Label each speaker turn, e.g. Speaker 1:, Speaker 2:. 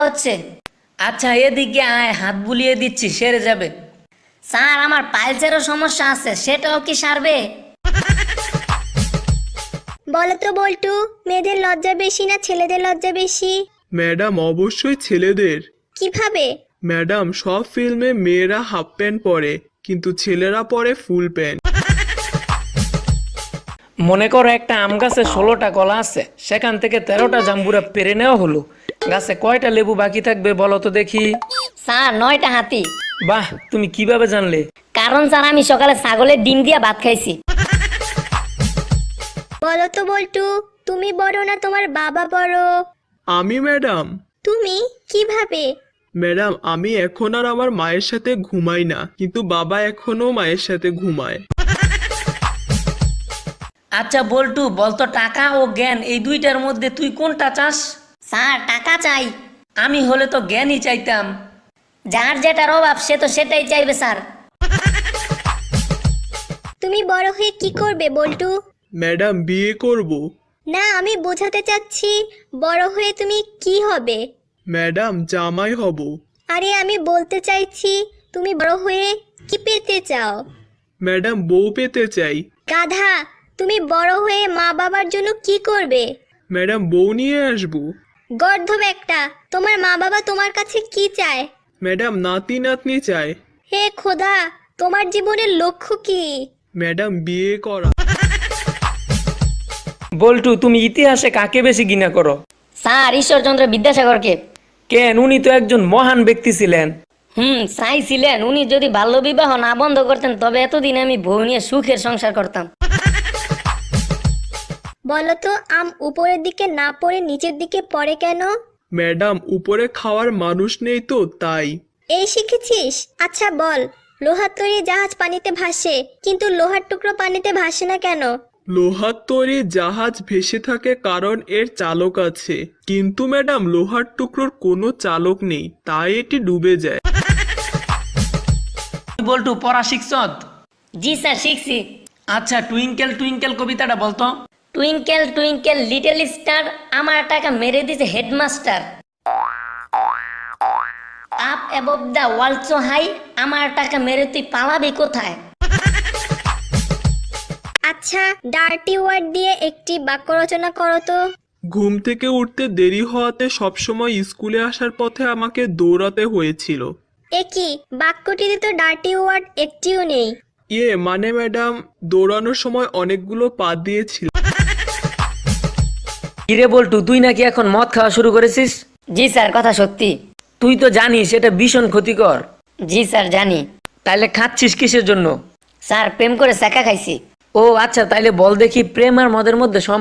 Speaker 1: হচ্ছে।
Speaker 2: আচ্ছা এদিকে আয়, হাত বুলিয়ে দিচ্ছি, সেরে যাবে।
Speaker 1: স্যার আমার পাইলসেরও সমস্যা আছে, সেটাও কি সারবে?
Speaker 3: বলো তো বল্টু, মেয়েদের লজ্জা বেশি না ছেলেদের লজ্জা বেশি?
Speaker 4: ম্যাডাম অবশ্যই ছেলেদের।
Speaker 3: কিভাবে?
Speaker 4: ম্যাডাম সব ফিল্মে মেয়েরা হাফ প্যান্ট পরে, কিন্তু ছেলেরা পরে ফুল প্যান্ট।
Speaker 2: মনে করো একটা আম গাছে 16টা কলা আছে, সেখান থেকে 13টা জাম্বুরা পেরে নেওয়া হলো। গাছে কয়টা লেবু বাকি থাকবে বলো তো দেখি?
Speaker 1: স্যার 9টা হাতি।
Speaker 2: বাহ, তুমি কিভাবে জানলে?
Speaker 1: কারণ স্যার আমি সকালে ছাগলের ডিম দিয়া ভাত খাইছি।
Speaker 3: বলো তো বল্টু, তুমি বড় না তোমার বাবা বড়?
Speaker 4: আমি ম্যাডাম।
Speaker 3: তুমি কিভাবে?
Speaker 4: ম্যাডাম আমি এখন আর আমার মায়ের সাথে ঘুমাই না, কিন্তু বাবা এখনো মায়ের সাথে ঘুমায়।
Speaker 2: আচ্ছা বল্টু, বলতো টাকা ও জ্ঞান এই দুইটার মধ্যে তুই কোনটা চাস?
Speaker 1: স্যার টাকা চাই।
Speaker 2: আমি হলে তো জ্ঞানই চাইতাম।
Speaker 1: যার যেটার অভাব সে তো সেটাই চাইবে স্যার।
Speaker 3: তুমি বড় হয়ে কি করবে বল্টু?
Speaker 4: ম্যাডাম বিয়ে করব।
Speaker 3: না, আমি বোঝাতে চাচ্ছি বড় হয়ে তুমি কি হবে?
Speaker 4: ম্যাডাম জামাই হব।
Speaker 3: আরে আমি বলতে চাইছি তুমি বড় হয়ে কি পেতে চাও?
Speaker 4: ম্যাডাম বউ পেতে চাই।
Speaker 3: গাধা, তুমি বড় হয়ে মা বাবার জন্য কি করবে?
Speaker 4: ম্যাডাম বউ নিয়ে আসবো।
Speaker 3: গর্ধব একটা, তোমার মা বাবা তোমার কাছে কি চায়?
Speaker 4: ম্যাডাম নাতি নাতনি চায়।
Speaker 3: হে খোদা, তোমার জীবনের লক্ষ্য কি?
Speaker 4: ম্যাডাম বিয়ে করা।
Speaker 2: বল্টু, তুমি ইতিহাসে কাকে বেশি ঘৃণা করো?
Speaker 1: স্যার ঈশ্বরচন্দ্র বিদ্যাসাগরকে।
Speaker 2: কেন, উনি তো একজন মহান ব্যক্তি ছিলেন।
Speaker 1: চাইছিলেন উনি যদি বাল্যবিবাহ না বন্ধ করতেন তবে এতদিন আমি বউ নিয়ে সুখের সংসার করতাম।
Speaker 3: বলো তো আম উপরের দিকে না পড়ে নিচের দিকে পড়ে কেন?
Speaker 4: ম্যাডাম উপরে খাওয়ার মানুষ নেই তো তাই।
Speaker 3: এই শিখেছিস? আচ্ছা বল, লোহার তৈরি জাহাজ পানিতে ভাসে, কিন্তু লোহার টুকরো পানিতে ভাসে না কেন?
Speaker 4: লোহার তৈরি জাহাজ ভেসে থাকে কারণ এর চালক আছে, কিন্তু ম্যাডাম লোহার টুকরোর কোনো চালক নেই, তাই এটি ডুবে যায়।
Speaker 2: বল্টু পড়া শিখছ?
Speaker 1: জি স্যার শিখছি।
Speaker 2: আচ্ছা টুইঙ্কেল টুইঙ্কেল কবিতাটা বলতো।
Speaker 1: টুইঙ্কেল টুইঙ্কেল লিটল স্টার, আমার টাকা মেরে দিছে headmaster. Up above the world so high, আমার টাকা মেরে তুই পালাবি কোথায়?
Speaker 3: আচ্ছা ডার্টি ওয়ার্ড দিয়ে একটি বাক্য রচনা করো তো।
Speaker 4: ঘুম থেকে উঠতে দেরি হওয়াতে সবসময় স্কুলে আসার পথে আমাকে দৌড়াতে হয়েছিল।
Speaker 3: কি বাক্যটিতে তো ডার্টি ওয়ার্ড একটিও নেই।
Speaker 4: মানে ম্যাডাম দৌড়ানোর সময় অনেকগুলো পা দিয়েছিল।
Speaker 2: কিরে বল্টু, তুই নাকি এখন মদ খাওয়া শুরু করেছিস?
Speaker 1: জি স্যার কথা সত্যি।
Speaker 2: তুই তো জানিস এটা ভীষণ ক্ষতিকর।
Speaker 1: জি স্যার জানি।
Speaker 2: তাইলে খাচ্ছিস কিসের জন্য?
Speaker 1: স্যার প্রেম করে সেকা খাইছি।
Speaker 2: ও আচ্ছা, তাইলে বল দেখি প্রেম আর মদের মধ্যে